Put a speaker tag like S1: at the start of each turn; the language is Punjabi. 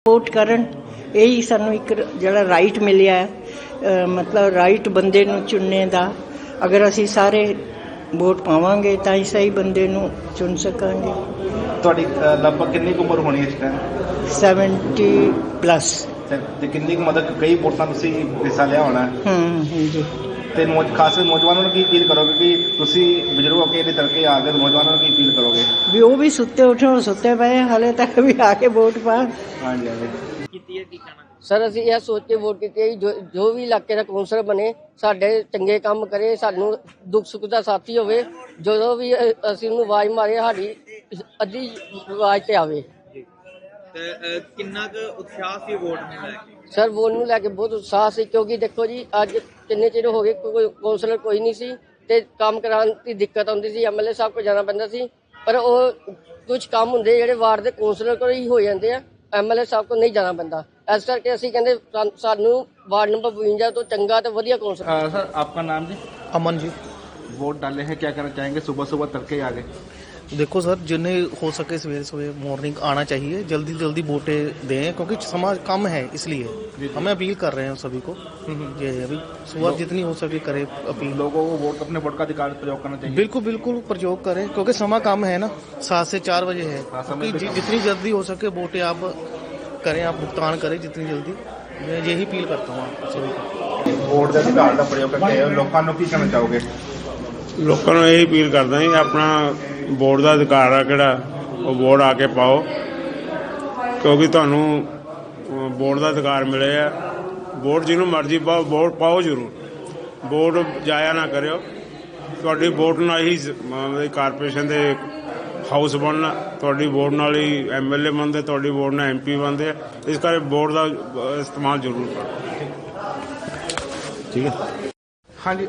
S1: ਵੋਟ ਕਰਨ ਇਹੀ ਸਾਨੂੰ ਇੱਕ ਜਿਹੜਾ ਰਾਈਟ ਮਿਲਿਆ ਹੈ, ਮਤਲਬ ਰਾਈਟ ਬੰਦੇ ਨੂੰ ਚੁਣਨੇ ਦਾ। ਅਗਰ ਅਸੀਂ ਸਾਰੇ ਵੋਟ ਪਾਵਾਂਗੇ ਤਾਂ ਹੀ ਸਹੀ ਬੰਦੇ ਨੂੰ ਚੁਣ ਸਕਾਂਗੇ।
S2: ਤੁਹਾਡੀ ਲਗਭਗ ਕਿੰਨੀ ਕੁ ਉਮਰ ਹੋਣੀ ਇਸ ਟਾਈਮ?
S1: 70+
S2: ਤੇ ਕਿੰਨੀ ਕੁ ਮਤਲਬ ਕਈ ਵੋਟਾਂ ਤੁਸੀਂ ਹਿੱਸਾ ਲਿਆ ਹੋਣਾ?
S1: ਹਾਂਜੀ।
S2: ਤੇ ਖਾਸ ਨੌਜਵਾਨਾਂ ਨੂੰ ਕੀ ਅਪੀਲ ਕਰੋਗੇ ਕਿ ਤੁਸੀਂ ਬਜ਼ੁਰਗ ਹੋ ਕੇ ਇਹਦੇ ਤੜਕੇ ਆ ਕੇ ਨੌਜਵਾਨਾਂ ਨੂੰ ਕੀ ਅਪੀਲ ਕਰੋਗੇ?
S1: ਵੀ ਉਹ ਵੀ ਸੁੱਤੇ ਉੱਠਣ, ਸੁੱਤੇ ਪਏ ਹਾਲੇ ਤੱਕ ਵੀ ਆ ਕੇ ਵੋਟ ਪਾਉਣ।
S2: ਹਾਂਜੀ ਹਾਂਜੀ।
S3: ਸਰ ਅਸੀਂ ਇਹ ਸੋਚ ਕੇ ਵੋਟ ਕੀਤੀ ਹੈ ਜੋ ਵੀ ਇਲਾਕੇ ਦਾ ਕੌਂਸਲਰ ਬਣੇ ਸਾਡੇ ਚੰਗੇ ਕੰਮ ਕਰੇ, ਸਾਨੂੰ ਦੁੱਖ ਸੁੱਖ ਦਾ ਸਾਥੀ ਹੋਵੇ। ਜਦੋਂ ਵੀ ਅਸੀਂ ਉਹਨੂੰ ਆਵਾਜ਼ ਮਾਰੇ ਸਾਡੀ ਅੱਧੀ ਆਵਾਜ਼ ਤੇ ਆਵੇ।
S4: ਤੇ ਕਿੰਨਾ ਕੁ ਉਤਸ਼ਾਹ ਸੀ ਵੋਟ ਨੂੰ ਲੈ ਕੇ?
S3: ਸਰ ਵੋਟ ਨੂੰ ਲੈ ਕੇ ਬਹੁਤ ਉਤਸ਼ਾਹ ਸੀ, ਕਿਉਂਕਿ ਦੇਖੋ ਜੀ ਅੱਜ ਕਿੰਨੇ ਚਿਰ ਹੋ ਗਏ ਕੋਈ ਕੌਂਸਲਰ ਕੋਈ ਨਹੀਂ ਸੀ ਤੇ ਕੰਮ ਕਰਾਉਣ ਦੀ ਦਿੱਕਤ ਆਉਂਦੀ ਸੀ। MLA ਸਾਹਿਬ ਕੋਲ ਜਾਣਾ ਪੈਂਦਾ ਸੀ, ਪਰ ਉਹ ਕੁਝ ਕੰਮ ਹੁੰਦੇ ਜਿਹੜੇ ਵਾਰਡ ਦੇ ਕੌਂਸਲਰ ਕੋਲ ਹੀ ਹੋ ਜਾਂਦੇ ਆ, MLA ਸਾਹਿਬ ਕੋਲ ਨਹੀਂ ਜਾਣਾ ਪੈਂਦਾ। ਇਸ ਕਰਕੇ ਅਸੀਂ ਕਹਿੰਦੇ ਸਾਨੂੰ वार्ड नंबर 52 तो चंगा तो वधिया कौंसल।
S2: सर आपका नाम जी?
S5: अमन जी।
S2: वोट डाले हैं, क्या करना चाहेंगे? सुबह सुबह तड़के आ गए।
S5: देखो सर, जिन्हें हो सके सवेरे सवेरे मॉर्निंग आना चाहिए, जल्दी जल्दी वोटें दें, क्योंकि समाज कम है इसलिए हमें अपील कर रहे हैं सभी को। ये अभी सुबह जितनी हो सके करे अपील।
S2: लोगों को वोट अपने वोट का अधिकार प्रयोग करना चाहिए।
S5: बिल्कुल बिल्कुल प्रयोग करें, क्योंकि समय कम है ना, 7 से 4 बजे है। जितनी जल्दी हो सके वोटें आप करें, आप भुगतान करें जितनी जल्दी। मैं यही अपील करता हूँ आप सभी को।
S2: वोट का अधिकार का प्रयोग करके लोगों को की कहना चाहोगे?
S6: ਲੋਕਾਂ ਨੂੰ ਇਹ ਅਪੀਲ ਕਰਦਾ ਜੀ, ਆਪਣਾ ਵੋਟ ਦਾ ਅਧਿਕਾਰ ਆ ਕਿਹੜਾ ਉਹ ਵੋਟ ਆ ਕੇ ਪਾਓ, ਕਿਉਂਕਿ ਤੁਹਾਨੂੰ ਵੋਟ ਦਾ ਅਧਿਕਾਰ ਮਿਲੇ ਆ। ਵੋਟ ਜਿਹਨੂੰ ਮਰਜ਼ੀ ਪਾਓ, ਵੋਟ ਪਾਓ ਜ਼ਰੂਰ, ਵੋਟ ਜਾਇਆ ਨਾ ਕਰਿਓ। ਤੁਹਾਡੀ ਵੋਟ ਨਾਲ ਹੀ ਕਾਰਪੋਰੇਸ਼ਨ ਦੇ ਹਾਊਸ ਬਣਨਾ, ਤੁਹਾਡੀ ਵੋਟ ਨਾਲ ਹੀ MLA ਬਣਦੇ, ਤੁਹਾਡੀ ਵੋਟ ਨਾਲ MP ਬਣਦੇ ਆ। ਇਸ ਕਰਕੇ ਵੋਟ ਦਾ ਇਸਤੇਮਾਲ ਜ਼ਰੂਰ ਕਰੋ। ਠੀਕ ਹੈ।
S2: ਹਾਂਜੀ